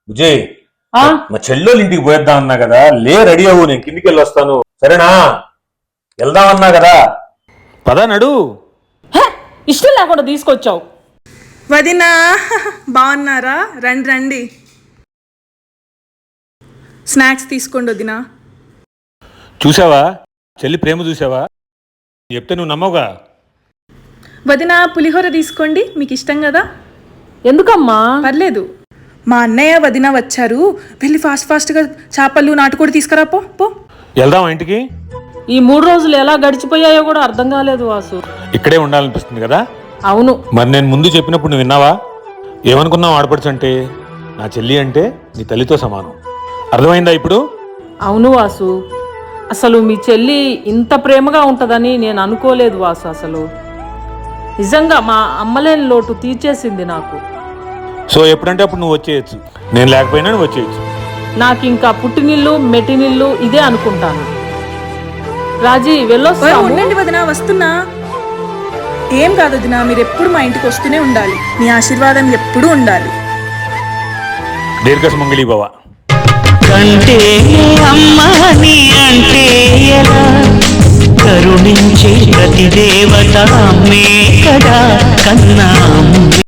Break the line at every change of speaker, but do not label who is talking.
విజయ్
ఆ
మా చెల్లెలు ఇంటికి పోయేద్దాం అన్నా కదా, రెడీ అవ్వు, నేను కిందికి వెళ్ళి వస్తాను, సరేనా? వెళ్దామన్నా కదా, పదా నడు.
హే, ఇష్టం లేకుండా తీసుకొచ్చావు.
వదినా బాగున్నారా? రండి రండి, స్నాక్స్ తీసుకోండి వదినా.
చూసావా చెల్లి ప్రేమ, చూసావా? చెప్తే నువ్వు నమ్మవుగా.
వదినా పులిహోర తీసుకోండి, మీకు ఇష్టం కదా.
ఎందుకమ్మా?
పర్లేదు, మా అన్నయ్య వదిన వచ్చారు, వెళ్ళి ఫాస్ట్గా చేపలు నాటుకోడి తీసుకురా. పో పో.
వెళ్దామా ఇంటికి?
ఈ 3 రోజులు ఎలా గడిచిపోయాయో కూడా అర్థం కాలేదు వాసు.
ఇక్కడే ఉండాలనిపిస్తుంది కదా.
అవును.
మరి నేను ముందు చెప్పినప్పుడు నువ్వు విన్నావా? ఏమనుకున్నావు? ఆడపడుచు అంటే నా చెల్లి అంటే నీ తల్లితో సమానం. అర్థమైందా ఇప్పుడు?
అవును వాసు, అసలు మీ చెల్లి ఇంత ప్రేమగా ఉంటుందని నేను అనుకోలేదు వాసు. అసలు నిజంగా మా అమ్మలేని లోటు తీర్చేసింది నాకు.
సో ఎప్పుడంటే అప్పుడు నువ్వు వచ్చేయచ్చు, నేను లేకపోయినా నువ్వు వచ్చేయచ్చు.
నాకు ఇంకా పుట్టినిల్లు మెట్టినిల్లు ఇదే అనుకుంటాను. రాజీ వెళ్ళొస్తాము.
ఉండండి వదినా, వస్తున్నా. ఏం కాదు వదినా, మీరు ఎప్పుడు మా ఇంటికి వస్తూనే ఉండాలి, మీ ఆశీర్వాదం ఎప్పుడూ ఉండాలి.
దీర్ఘసుమంగళి భవ.
కంటే అమ్మని అంటే ఎలా, కరుణించే ప్రతి దేవత అమ్మే కదా కన్నా.